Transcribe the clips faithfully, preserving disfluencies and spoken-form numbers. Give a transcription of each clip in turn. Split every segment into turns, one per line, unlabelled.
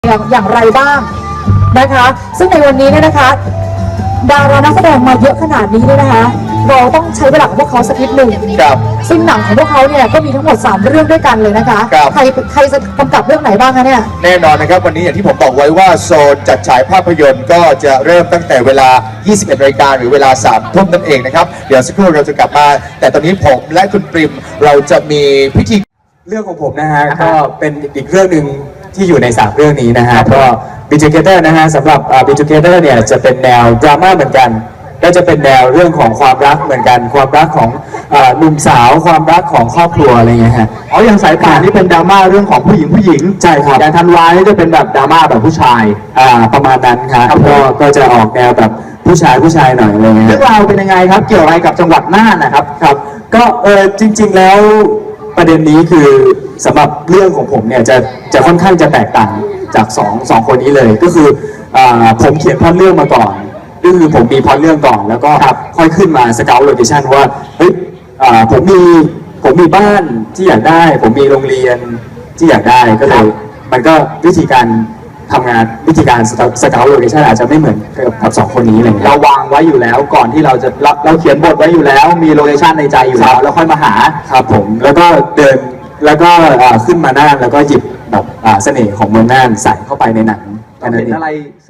อย่างอย่างไรบ้างนะคะซึ่งในวันนี้เนี่ยนะคะดารานักแสดงมาเยอะขนาดนี้เนี่ยนะคะเราต้องใช้เวลาของพวกเขาสักนิดหนึ่งครับซึ่งหนังของพวกเขาเนี่ยก็มีทั้งหมดสามเรื่องด้วยกันเลยนะคะใครใครจะกำกับเรื่องไหนบ้างคะเนี่ย
แน่นอนนะครับวันนี้อย่างที่ผมบอกไว้ว่าโซนจัดฉายภาพยนตร์ก็จะเริ่มตั้งแต่เวลา ยี่สิบเอ็ดนาฬิกาหรือเวลา สามทุ่มนั่นเองนะครับเดี๋ยวสักครู่เราจะกลับมาแต่ตอนนี้ผมและคุณปริมเราจะมีพิธี
เรื่องของผมนะฮะก็เป็นอีกเรื่องหนึ่งที่อยู่ในสามเรื่องนี้นะฮะก็ Be Together นะฮะสำหรับ Be Together เนี่ยจะเป็นแนวดราม่าเหมือนกันก็จะเป็นแนวเรื่องของความรักเหมือนกันความรักของหนุ่มสาวความรักของครอบครัวอะไรเงี้ยฮะ
อ๋ออย่างสายป่านนี่เป็นดราม่าเรื่องของผู้หญิงผู้หญิง
ใช่ครับ
อย่างธันวานี่จะเป็นแบบดราม่าแบบผู้ชาย
อ่าประมาณนั้นครับก็ก็จะออกแนวแบบผู้ชายผู้ชายหน่อยอะไรเงี้ย
เรื่องราวเป็นยังไงครับเกี่ยวอะไรกับจังหวัดน่านนะครับ
ครับก็เออจริงๆแล้วประเด็นนี้คือสำหรับเรื่องของผมเนี่ยจะจะค่อนข้างจะแตกต่างจากสองสองคนนี้เลยก็คืออ่าผมเขียนพล็อตเรื่องมาก่อนก็คือผมมีพล็อตเรื่องก่อนแล้วก็ค่อยขึ้นมาสเกลโลเคชั่นว่าเฮ้ยผมมีผมมีบ้านที่อยากได้ผมมีโรงเรียนที่อยากได้ก็เลยมันก็วิธีการทำงานวิธีการสเกลโลเคชั่นอาจจะไม่เหมือนกับสองคนนี้เลย
เราวางไว้อยู่แล้วก่อนที่เราจะเราเราเขียนบทไว้อยู่แล้วมีโลเคชั่นในใจอยู่แล้วแล้วค่อยมาหา
ครับผมแล้วก็เดินแล้วก็ขึ้นมาน่านแล้วก็หยิบแบบเสน่ห์ของเมืองน่านใส่เข้าไปในหนัง
เห็นอะไร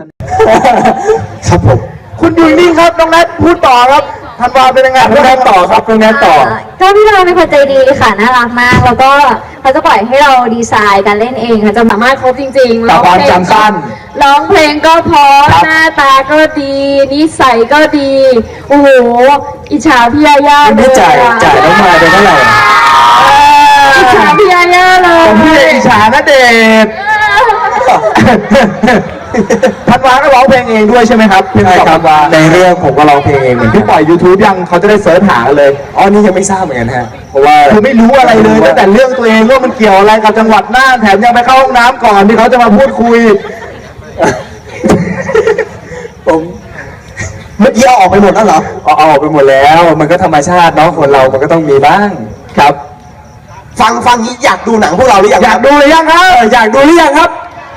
ครับผม
คุณอยู่นี่ครับน้องแนทพูดต่อครับธันวาเป็นยังไง
น้องแนทต่อครับน้องแนทต่อ
ก็พี่เราเป็นคนใจดีค่ะน่ารักมากแล้วก็เขาจะปล่อยให้เราดีไซน์การเล่นเองค่ะจะสามารถครบจริงๆ
ร้องเพลงจำสั้น
ร้องเพลงก็เพราะหน้าตาก็ดีนิสัยก็ดีโอ้โหอิจฉาพี่ยาย่า
เลยจ่ายจ่ายต้องมาเป็นเท่าไหร่
อิจฉาพี่ยาย่าเลย
ผมพี่อิจฉาณเดชน์ธันวาก็ร้องเพลงเองด้วยใช่ไหมครับ
ใช่ครับในเรื่องผมก็ร้องเพลงเองเหมือน
ที่ปล่อย YouTube ยังเขาจะได้เสิร์ชหาเลย
อ๋อนี่ยังไม่ทราบเหมือนกันฮะเพราะว่า
คือไม่รู้อะไรเลยตั้งแต่เรื่องตัวเองว่ามันเกี่ยวอะไรกับจังหวัดน่านแถมยังไปเข้าห้องน้ำก่อนที่เขาจะมาพูดคุย
ผมเมื่อกี้เอาออกไปหมดแล้วเหรอเอาออกไปหมดแล้วมันก็ธรรมชาติเนาะคนเรามันก็ต้องมีบ้าง
ครับ
ฟังฟังนี้อยากดูหนังพวกเราหรือยัง
อยากดูหรือยังครับ
อยากดูหรือยังครับ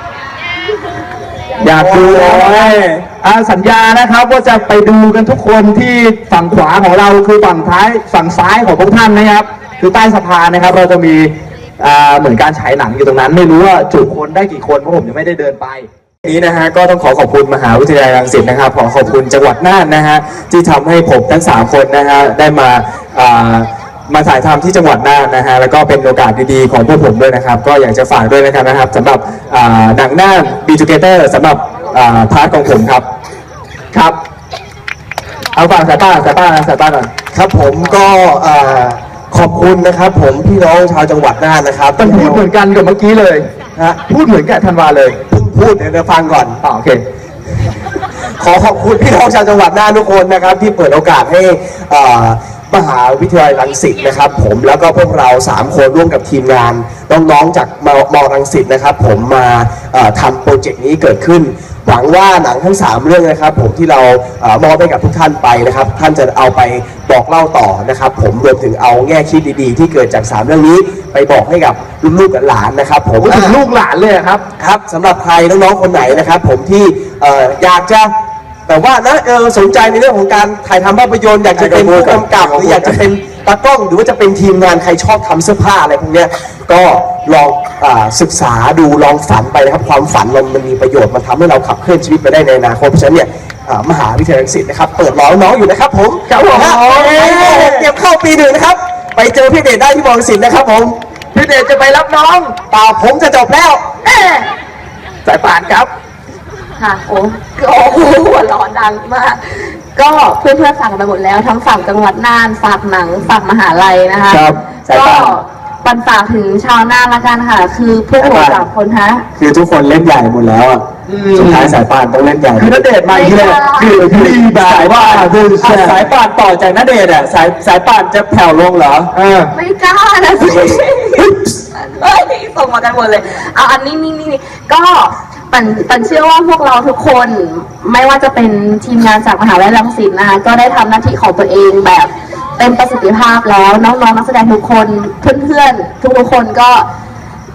อยากดูเลยสัญญานะครับว่าจะไปดูกันทุกคนที่ฝั่งขวาของเราคือฝั่งท้ายฝั่งซ้ายของพวกท่านนะครับคือใต้สะพานนะครับเราจะมีเหมือนการฉายหนังอยู่ตรงนั้นไม่รู้ว่าจุคนได้กี่คนเพราะผมยังไม่ได้เดินไป
นี้นะฮะก็ต้องขอขอบคุณมหาวิทยาลัยรังสิตนะครับขอขอบคุณจังหวัดน่านนะฮะที่ทำให้ผมทั้งสามคนนะฮะได้มามาถ่ายทำที่จังหวัดน่านนะฮะแล้วก็เป็นโอกาสดีๆของพวกผมด้วยนะครับก็อยากจะฝากด้วยนะครับนะครับสำหรับหนังน่าน Be Together สำหรับพาร์ทของผมครับ
ครับเอาฝากสายป้าสายป้าสายป้าก่อน
ครับผมก็ขอบคุณนะครับผมพี่น้องชาวจังหวัดน่านนะครับ
ต้องพูดเหมือนกันกับเมื่อกี้เลย
ฮะ
พูดเหมือนกับธันวาเลย
พูดเดี๋ยวฟังก่อน
อ๋อโอเค
ขอขอบคุณพี่น้องชาวจังหวัดน่านทุกคนนะครับที่เปิดโอกาสให้มหาวิทยาลัยรังสิตนะครับผมแล้วก็พวกเราสามคนร่วมกับทีมงานน้องๆจากมมรังสิตนะครับผมมาทำโปรเจกต์นี้เกิดขึ้นหวังว่าหนังทั้งสามเรื่องนะครับผมที่เรามอบให้กับทุกท่านไปนะครับท่านจะเอาไปบอกเล่าต่อนะครับผมรวมถึงเอาแง่คิดดีๆที่เกิดจากสามเรื่องนี้ไปบอกให้กับลูกๆหลานๆนะครับผม
ถึงลูกหลานเลยครับ
ครับสำหรับใครน้องๆคนไหนนะครับผมที่อยากจะแต่ว่านะเออสนใจในเรื่องของการถ่ายทำภาพยนตร์อยากจะเป็นผู้กำกับหรืออยากจะเป็นตากล้องหรือว่าจะเป็นทีมงานใครชอบทำเสื้อผ้าอะไรพวกนี้ก็ลองศึกษาดูลองฝันไปนะครับความฝันเรามันมีประโยชน์มันทำให้เราขับเคลื่อนชีวิตไปได้ในอนาคตเพราะฉะนั้นเนี่ยมหาวิทยาลัยรังสิตนะครับเปิดรอน้องอยู่นะครับผม
ครับผม
เตรียมเข้าปีหนึ่งนะครับไปเจอพี่เดชได้ที่มอรังสิตนะครับผม
พี่เดชจะไปรับน้อง
ป่าผมจะจบแล้ว
สายป่านครับ
ค่ะโอ้โอ้หัวร้อนดังมากก็เพื่อนเพื่อนสั่งไปหมดแล้วทั้งฝั่งจังหวัดน่านฝากหนังฝากมหาลัยนะคะก็ปันฝากถึงชาวน่านละกันค่ะคือพวกเราสามคนฮะ
คือทุกคนเล่นใหญ่หมดแล้วอ่ะสุดท้ายสายป่านต้องเล่นใหญ่
คือณเดชน์มาอีกแล้วคือคือ
สายป่านคือสายป่านต่อจากณเดชน์อ่ะสายสายป่านจะแผ่วลงเหรอ
ไม่กล้านะสิเฮ้ยส่งมากันหมดเลยเอาอันนี้นี่นี่ก็ปันปันเชื่อว่าพวกเราทุกคนไม่ว่าจะเป็นทีมงานจากมหาวิทยาลัยรังสิตนะคะก็ได้ทำหน้าที่ของตัวเองแบบเต็มประสิทธิภาพแล้วน้องๆนักแสดงทุกคนเพื่อนๆทุกๆคนก็ท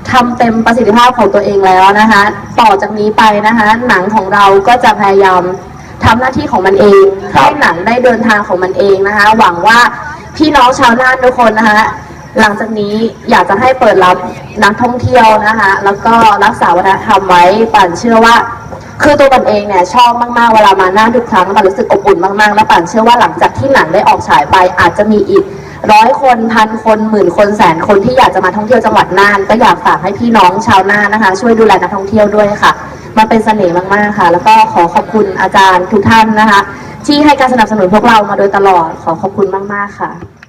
ทำเต็มประสิทธิภาพของตัวเองแล้วนะคะ ต่อจากนี้ไปนะคะหนังของเราก็จะพยายามทำหน้าที่ของมันเองให้หนังได้เดินทางของมันเองนะคะ หวังว่าพี่น้องชาวน่านทุกคนนะคะหลังจากนี้อยากจะให้เปิดรับนักท่องเที่ยวนะคะ แล้วก็รักษาวัฒนธรรมไว้ป่านเชื่อว่าคือตัวปันเองเนี่ยชอบมากๆเวลามาน่านทุกครั้งปันรู้สึกอบอุ่นมากๆแล้วปันเชื่อว่าหลังจากที่หนังได้ออกฉายไปอาจจะมีอีกร้อยคนพันคนหมื่นคนแสนคนที่อยากจะมาท่องเที่ยวจังหวัดน่านก็อยากฝากให้พี่น้องชาวน่านนะคะ ช่วยดูแลนักท่องเที่ยวด้วยค่ะมันเป็นเสน่ห์มากๆค่ะแล้วก็ขอขอบคุณอาจารย์ทุกท่านนะคะที่ให้การสนับสนุนพวกเรามาโดยตลอดขอขอบคุณมากๆค่ะ